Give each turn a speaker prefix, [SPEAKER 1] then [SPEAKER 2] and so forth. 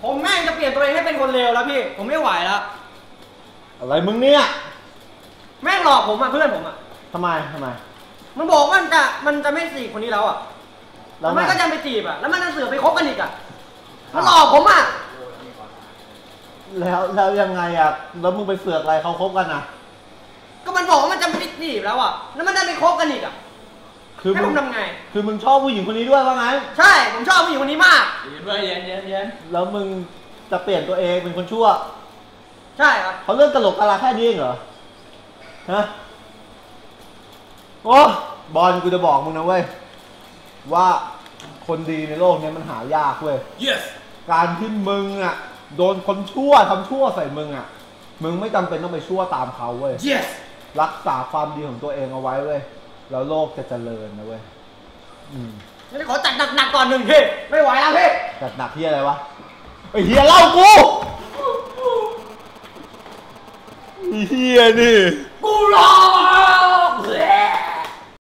[SPEAKER 1] ผมแม่งจะเปลี่ยนตัวเองให้เป็นคนเลวแล้วพี่ผมไม่ไหวแล้ว
[SPEAKER 2] อะไรมึงเนี่ย
[SPEAKER 1] แม่งหลอกผมอ่ะเพื่อนผมอ่ะ
[SPEAKER 2] ทำไม
[SPEAKER 1] มันบอกว่ามันจะไม่จีบคนนี้แล้วอ่ะแล้วมันก็จะไปจีบอ่ะแล้วมันจะเสือไปคบกันอีกอ่ะมันหลอกผมอ่ะ
[SPEAKER 2] แล้วยังไงอ่ะแล้วมึงไปเสือกอะไรเขาคบกันนะ
[SPEAKER 1] ก็มันบอกว่ามันจะไม่จีบแล้วอ่ะแล้วมันจะไปคบกันอีกอ่ะให้ผมทำไง
[SPEAKER 2] คือมึงชอบผู้หญิงคนนี้ด้วยว่าไง
[SPEAKER 1] ใช่ผมชอบผู้หญิงคนนี้มาก
[SPEAKER 3] เย็น
[SPEAKER 2] แล้วมึงจะเปลี่ยนตัวเองเป็นคนชั่ว
[SPEAKER 1] ใช่ครับ
[SPEAKER 2] เขาเรื่องตลกกะลาแค่นี้เองเหรอฮะโอ้บอลกูจะบอกมึงนะเว้ยว่าคนดีในโลกนี้มันหายากเว้ย
[SPEAKER 3] yes
[SPEAKER 2] การที่มึงอ่ะโดนคนชั่วทำชั่วใส่มึงอ่ะมึงไม่จำเป็นต้องไปชั่วตามเขาเว้ย
[SPEAKER 3] yes
[SPEAKER 2] รักษาความดีของตัวเองเอาไว้เว้ยแล้วโลกจะเจริญนะเว้ย
[SPEAKER 1] นี่ขอจัดหนักๆก่อนหนึ่งพี่ไม่ไหวแล้วพี่
[SPEAKER 2] จัดหนักที่อะไรวะไอ้เฮียเล่ากูเฮียนี่
[SPEAKER 1] กู